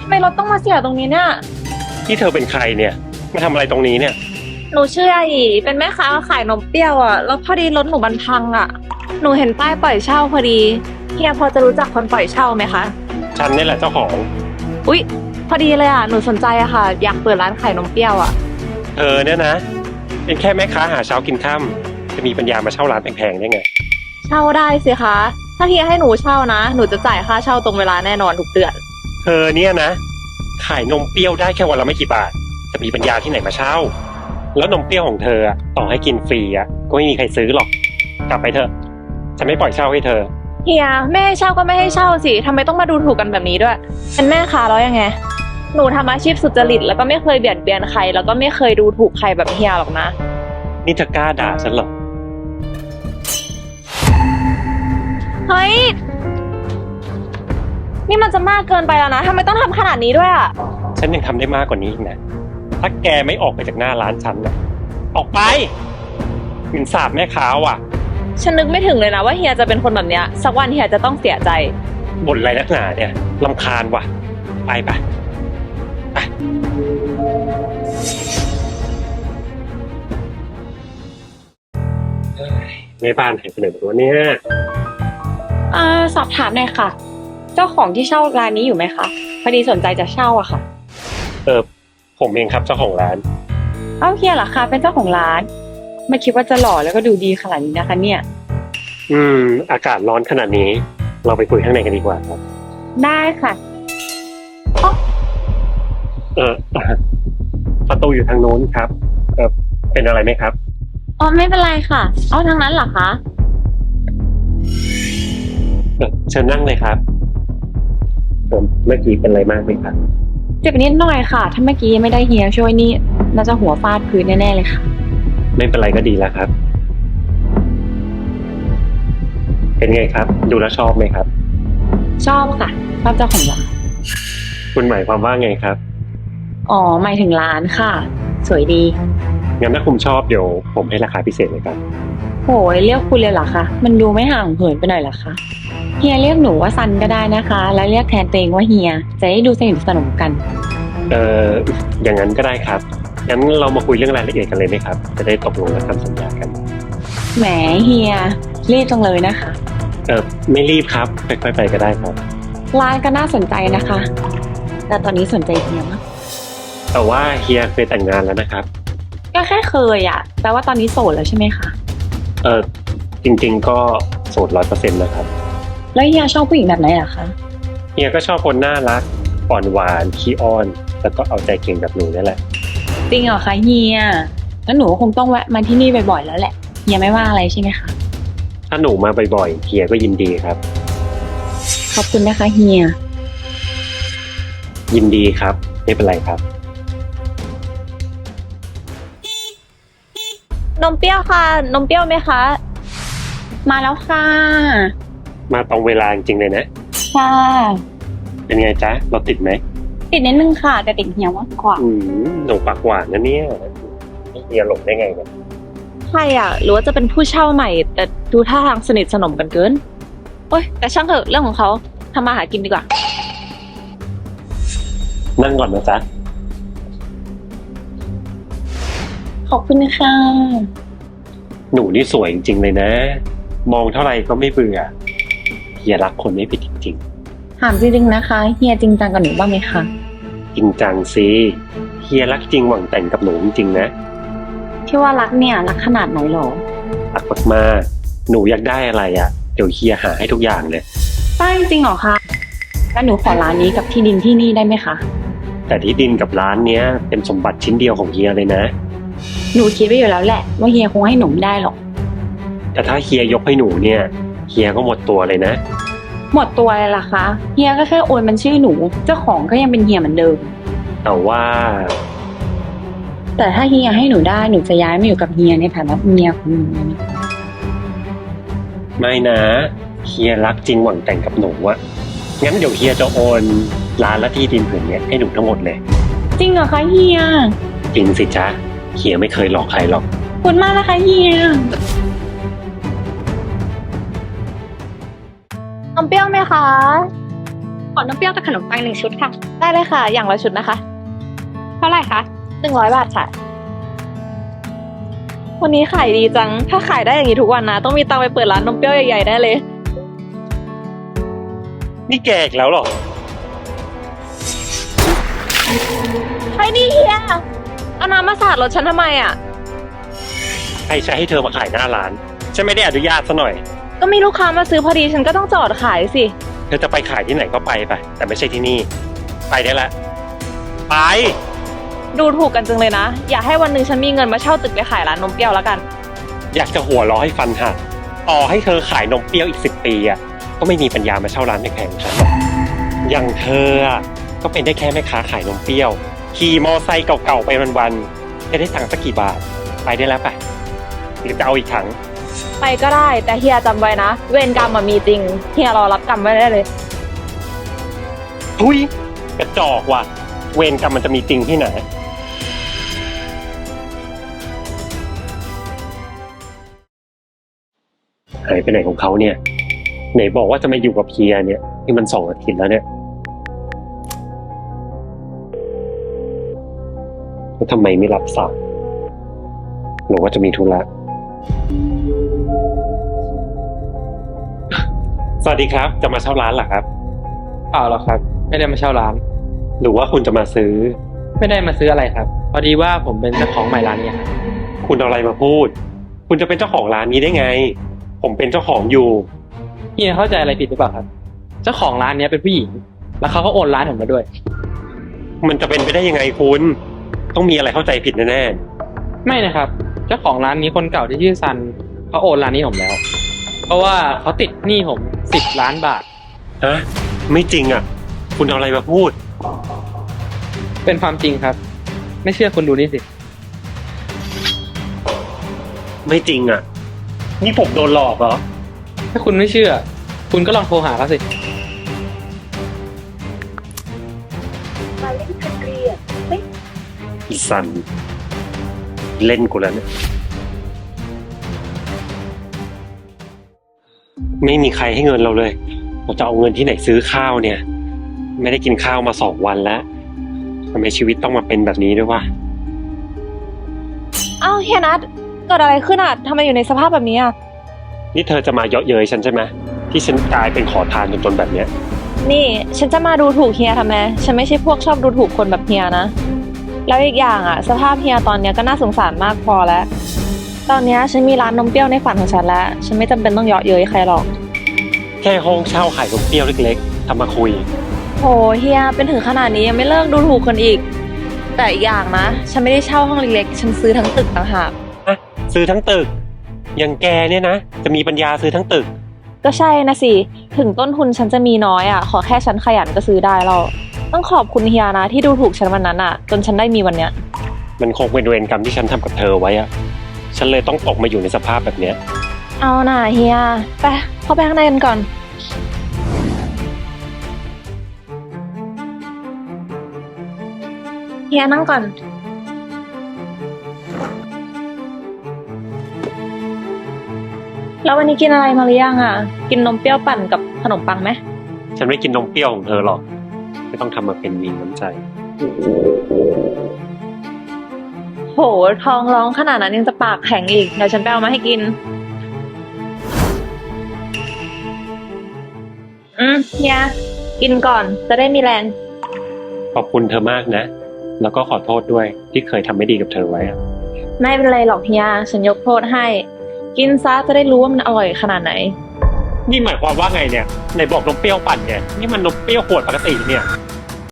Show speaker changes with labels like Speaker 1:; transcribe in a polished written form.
Speaker 1: ไมรถต้องมาเสียตรงนี้เนี่ย
Speaker 2: ที่เธอเป็นใครเนี่ยมาทำอะไรตรงนี้เนี่ย
Speaker 1: หนูชื่ออาอีเป็นแม่ค้าขายนมเปรี้ยวอ่ะแล้วพอดีรถหนูมันพังอ่ะหนูเห็นป้ายปล่อยเช่าพอดีเฮียพอจะรู้จักคนปล่อยเช่าไหมคะ
Speaker 2: ฉันนี่แหละเจ้าของ
Speaker 1: อุ๊ยพอดีเลยอ่ะหนูสนใจอะค่ะอยากเปิดร้านขายนมเปรี้ยวอ่ะ
Speaker 2: เธอเนี่ยนะเป็นแค่แม่ค้าหาเช้ากินค่ำจะมีปัญญามาเช่าร้านแพงๆได้ไง
Speaker 1: เช่าได้สิคะถ้าเฮียให้หนูเช่านะหนูจะจ่ายค่าเช่าตรงเวลาแน่นอนทุกเดือน
Speaker 2: เธอเนี่ยนะขายนมเปรี้ยวได้แค่วันละไม่กี่บาทจะมีปัญญาที่ไหนมาเช่าแล้วนมเปรี้ยวของเธอต่อให้กินฟรีก็ไม่มีใครซื้อหรอกกลับไปเถอะฉันไม่ปล่อยเช่าให้เธอ
Speaker 1: เฮียไม่ให้เช่าก็ไม่ให้เช่าสิทำไมต้องมาดูถูกกันแบบนี้ด้วยเป็นแม่ค้าแล้วยังไงหนูทำอาชีพสุจริตแล้วก็ไม่เคยเบียดเบียนใครแล้วก็ไม่เคยดูถูกใครแบบเฮียหรอกนะ
Speaker 2: นี่เธอกล้าด่าฉันเหรอ
Speaker 1: เฮ้ยนี่มันจะมากเกินไปแล้วนะทำไมต้องทำขนาดนี้ด้วยอ่ะ
Speaker 2: ฉันยังทำได้มากกว่านี้อีกนะถ้าแกไม่ออกไปจากหน้าร้านฉันนะออกไปหมิ่นสาบแม่ค้าว่ะ
Speaker 1: ฉันนึกไม่ถึงเลยนะว่าเฮียจะเป็นคนแบบเนี้ยสักวันเฮียจะต้องเสียใจ
Speaker 2: บ่นอะไรนักหนาเนี่ยรำคาญว่ะไปแม่บ้านหายไปไหนหมดวะเนี่ย
Speaker 1: สอบถามหน่อยค่ะเจ้าของที่เช่าร้านนี้อยู่ไหมคะพอดีสนใจจะเช่าอะค่ะ
Speaker 2: ผมเองครับเจ้าของร้าน
Speaker 1: เอ้าเฮียเหรอคะเป็นเจ้าของร้านไม่คิดว่าจะหล่อแล้วก็ดูดีขนาดนี้นะคะเนี่ย
Speaker 2: อากาศร้อนขนาดนี้เราไปคุยข้างในกันดีกว่าครับ
Speaker 1: ได้ค่ะ
Speaker 2: ประตูอยู่ทางโน้นครับเป็นอะไรไหมครับ
Speaker 1: อ๋อไม่เป็นไรค่ะเอาทางนั้นเหรอคะ
Speaker 2: เชิญนั่งเลยครับเมื่อกี้เป็นอะไรมากไหมครับ
Speaker 1: เจ็บนิดหน่อยค่ะถ้าเมื่อกี้ไม่ได้เฮียช่วยนี่น่าจะหัวฟาดพื้นแน่ๆเลยค่ะ
Speaker 2: ไม่เป็นไรก็ดีแล้วครับเป็นไงครับดูแลชอบไหมครับ
Speaker 1: ชอบค่ะชอบเจ้าของร้าน
Speaker 2: คุณหมายความว่าไงครับ
Speaker 1: อ๋อหมายถึงร้านค่ะสวยดี
Speaker 2: งั้นถ้าคุณชอบเดี๋ยวผมให้ราคาพิเศษเลยครับ
Speaker 1: โหยเรียกคุณเลยเหรอคะมันดูไม่ห่างเหินไปหน่อยเหรอคะเฮียเรียกหนูว่าซันก็ได้นะคะแล้วเรียกแทนตัวเองว่าเฮียจะได้ดูสนิทสนมกัน
Speaker 2: อย่างนั้นก็ได้ครับงั้นเรามาคุยเรื่องรายละเอียดกันเลยไหมครับจะได้ตกลงและทำสัญญากัน
Speaker 1: แหมเฮียรีบจังเลยนะคะ
Speaker 2: ไม่รีบครับค่อยๆไปก็ได้ครับ
Speaker 1: ร้านก็น่าสนใจนะคะแต่ตอนนี้สนใจเฮียมาก
Speaker 2: แต่ว่าเฮียเคยแต่งงานแล้วนะครับ
Speaker 1: ก็แค่เคยแปลว่าตอนนี้โสดแล้วใช่ไหมคะ
Speaker 2: จริงๆก็โสด100%นะครับ
Speaker 1: แล้วเฮียชอบผู้หญิงแบบไหนล่ะคะ
Speaker 2: เฮียก็ชอบคนน่ารักอ่อนหวานขี้อ้อนแล้วก็เอาใจเก่งแบบหนูนี่แหละ
Speaker 1: จริงเหรอคะเฮียแล้วหนูคงต้องแวะมาที่นี่บ่อยๆแล้วแหละเฮียไม่ว่าอะไรใช่ไหมคะ
Speaker 2: ถ้าหนูมาบ่อยๆเฮียก็ยินดีครับ
Speaker 1: ขอบคุณนะคะเฮีย
Speaker 2: ยินดีครับไม่เป็นไรครับ
Speaker 1: นมเปรี้ยวค่ะนมเปรี้ยวไหมคะมาแล้วค่ะ
Speaker 2: มาตรงเวลาจริงๆเลยนะ
Speaker 1: ค่ะ
Speaker 2: เป็นไงจ๊ะเราติดไหม
Speaker 1: ติดนิดนึงค่ะแต่ติดเฮียมากกว่า
Speaker 2: หนูปากหวานนะเนี่ยเฮียหลงได้ไงเนี่ย
Speaker 1: ใช่หรือว่าจะเป็นผู้เช่าใหม่แต่ดูท่าทางสนิทสนมกันเกินโอ๊ยแต่ช่างเถอะเรื่องของเขาทำมาหากินดีกว่า
Speaker 2: นั่งก่อนนะจ๊ะ
Speaker 1: ขอบคุณค่ะ
Speaker 2: หนูนี่สวยจริงๆเลยนะมองเท่าไหร่ก็ไม่เบื่อเฮียรักคนไม่ผิดจริง
Speaker 1: ถามจริงๆนะคะเฮียจริงจังกับหนูบ้างไหมคะ
Speaker 2: จริงจังสิเฮียรักจริงหวังแต่งกับหนูจริงๆนะ
Speaker 1: ที่ว่ารักเนี่ยรักขนาดไหนหรอ
Speaker 2: รักมากๆหนูอยากได้อะไรเดี๋ยวเฮียหาให้ทุกอย่างเลย
Speaker 1: ได้จริงเหรอคะแล้วหนูขอร้านนี้กับที่ดินที่นี่ได้ไหมคะ
Speaker 2: แต่ที่ดินกับร้านเนี้ยเป็นสมบัติชิ้นเดียวของเฮียเลยนะ
Speaker 1: หนูคิดไว้อยู่แล้วแหละว่าเฮียคงให้หนูไม่ได้หรอก
Speaker 2: แต่ถ้าเฮียยกให้หนูเนี่ยเฮียก็หมดตัวเลยนะ
Speaker 1: หมดตัวเลยล่ะคะเฮียก็แค่โอนมันชื่อหนูเจ้าของก็ยังเป็นเฮียเหมือนเดิมแต่ถ้าเฮียให้หนูได้หนูจะย้ายมาอยู่กับเฮียในฐานะเมียของหนู
Speaker 2: ไม่นะเฮียรักจริงหวังแต่งกับหนูงั้นเดี๋ยวเฮียจะโอนร้านและที่ดินผืนนี้ให้หนูทั้งหมดเลย
Speaker 1: จริงเหรอคะเฮีย
Speaker 2: จริงสิจ๊ะเฮียไม่เคยหลอกใครหรอก
Speaker 1: ขอบคุณมากนะคะเฮียนมเปรี้ยวไหมคะ
Speaker 3: อน้ำเปรี้ยวกับขนมปัง1 ชุดค่ะ
Speaker 1: ได้เลยค่ะ อย่างละชุดนะคะ
Speaker 3: เท่าไหร่คะ
Speaker 1: 100 บาทค่ะ วันนี้ขายดีจัง ถ้าขายได้อย่างนี้ทุกวันนะ ต้องมีตังค์ไปเปิดร้านนมเปรี้ยวใหญ่ๆได้เลย
Speaker 2: นี่แกอีกแล้วเหรอ
Speaker 1: ใช่นี่เฮียเอาน้ำมาสาดรถฉันทำไมอ่ะ
Speaker 2: ใครใช้ให้เธอมาขายหน้าร้าน ฉันไม่ได้อนุญาตซะหน่อย
Speaker 1: ก็มีลูกค้ามาซื้อพอดีฉันก็ต้องจอดขายสิ
Speaker 2: เธอจะไปขายที่ไหนก็ไป แต่ไม่ใช่ที่นี่ ไปได้ละ ไป
Speaker 1: ดูถูกกันจังเลยนะ อย่าให้วันหนึ่งฉันมีเงินมาเช่าตึกไปขายร้านนมเปรี้ยวแล้วกัน
Speaker 2: อยากจะหัวเร้อให้ฟันหักต่อให้เธอขายนมเปรี้ยวอีก10 ปีอ่ะ ก็ไม่มีปัญญามาเช่าร้านแพงๆของฉันหรอกอย่างเธออ่ะ ก็เป็นได้แค่แม่ค้าขายนมเปรี้ยว ขี่มอไซค์เก่าๆไปวันๆจะได้ตังค์สักกี่บาท ไปได้แล้วปะหรือจะเอาอีกถัง
Speaker 1: ไปก็ได้ แต่เฮียจำไว้นะ เวรกรรมมีจริง เฮียรอรับกรรมไว้ได้เลย
Speaker 2: ทุยกระจอกว่ะ เวรกรรมมันจะมีจริงที่ไหน หายไปไหนของเขาเนี่ย ไหนบอกว่าจะมาอยู่กับเฮียเนี่ยที่มัน2 อาทิตย์แล้วเนี่ยแล้วทำไมไม่รับสายหรือว่าจะมีธุระ สวัสดีครับ จะมาเช่าร้านเหรอครับ
Speaker 4: เปล่าหรอกครับ ไม่ได้มาเช่าร้าน
Speaker 2: หรือว่าคุณจะมาซื้อ
Speaker 4: ไม่ได้มาซื้ออะไรครับ พอดีว่าผมเป็นเจ้าของใหม่ร้านนี้ครับ
Speaker 2: คุณเอาอะไรมาพูด คุณจะเป็นเจ้าของร้านนี้ได้ไง ผมเป็นเจ้าของอยู่
Speaker 4: เฮียเข้าใจอะไรผิดหรือเปล่าครับ เจ้าของร้านเนี้ยเป็นผู้หญิง แล้วเขาก็โอนร้านผมมาด้วย
Speaker 2: มันจะเป็นไปได้ยังไงคุณ ต้องมีอะไรเข้าใจผิดแน่
Speaker 4: ไม่นะครับ เจ้าของร้านนี้คนเก่าที่ชื่อซันเขาโอนร้านนี้ผมแล้ว เพราะว่าเขาติดหนี้ผม10 ล้านบาท
Speaker 2: ๆฮะไม่จริงอ่ะ คุณเอาอะไรมาพูด
Speaker 4: เป็นความจริงครับ ไม่เชื่อคุณดูนี่สิ
Speaker 2: ไม่จริงอ่ะ นี่ผมโดนหลอกเหรอ
Speaker 4: ถ้าคุณไม่เชื่อ คุณก็ลองโทรหาเขาสิ
Speaker 2: อีสัน เล่นกูแล้วเนี่ย ไม่มีใครให้เงินเราเลย เราจะเอาเงินที่ไหนซื้อข้าวเนี่ย ไม่ได้กินข้าวมา2 วันแล้วทำไมชีวิตต้องมาเป็นแบบนี้ด้วยวะ
Speaker 1: เอ้าเฮียนัทเกิดอะไรขึ้นอ่ะทำไมอยู่ในสภาพแบบนี้อ่ะ
Speaker 2: นี่เธอจะมาเยาะเย้ยฉันใช่ไหมที่ฉันกลายเป็นขอทานจนแบบเนี้ย
Speaker 1: นี่ฉันจะมาดูถูกเฮียทำไม ฉันไม่ใช่พวกชอบดูถูกคนแบบเฮียนะ แล้วอีกอย่างอ่ะ สภาพเฮียตอนเนี้ยก็น่าสงสารมากพอแล้ว ตอนเนี้ยฉันมีร้านนมเปรี้ยวในฝันของฉันแล้ว ฉันไม่จำเป็นต้องเยาะเย้ยใครหรอก
Speaker 2: แค่ห้องเช่าขายนมเปรี้ยวเล็กๆทำมาคุย
Speaker 1: โหเฮียเป็นถึงขนาดนี้ยังไม่เลิกดูถูกคนอีก แต่อีกอย่างนะ ฉันไม่ได้เช่าห้องเล็กๆ ฉันซื้อทั้งตึกต่างหาก
Speaker 2: ซื้อทั้งตึก อย่างแกเนี่ยนะ จะมีปัญญาซื้อทั้งตึก
Speaker 1: ก็ใช่นะสิ ถึงต้นทุนฉันจะมีน้อยอ่ะ ขอแค่ฉันขยันก็ซื้อได้แล้ว ต้องขอบคุณเฮียนะที่ดูถูกฉันวันนั้นอ่ะ จนฉันได้มีวันเนี้ย
Speaker 2: มันคงเป็นเวรกรรมที่ฉันทำกับเธอไว้อะฉันเลยต้องตกมาอยู่ในสภาพแบบเนี้ย
Speaker 1: เอาน่ะเฮีย ไปเข้าไปข้างในกันก่อน เฮียนั่งก่อน แล้ววันนี้กินอะไรมาหรือยังอ่ะ กินนมเปรี้ยวปั่นกับขนมปังไหม
Speaker 2: ฉันไม่กินนมเปรี้ยวของเธอหรอก ไม่ต้องทำมาเป็นมีน้ำใจ
Speaker 1: โหท้องร้องขนาดนั้นยังจะปากแข็งอีก เดี๋ยวฉันไปเอามาให้กิน เฮีย กินก่อน จะได้มีแรง
Speaker 2: ขอบคุณเธอมากนะ แล้วก็ขอโทษด้วยที่เคยทำไม่ดีกับเธอไว้อะ
Speaker 1: ไม่เป็นไรหรอกเฮีย ฉันยกโทษให้ กินซะจะได้รู้ว่ามันอร่อยขนาดไหน
Speaker 2: นี่หมายความว่าไงเนี่ยไหนบอกนมเปรี้ยวปั่นไงนี่มันนมเปรี้ยวขวดปกติเนี่ย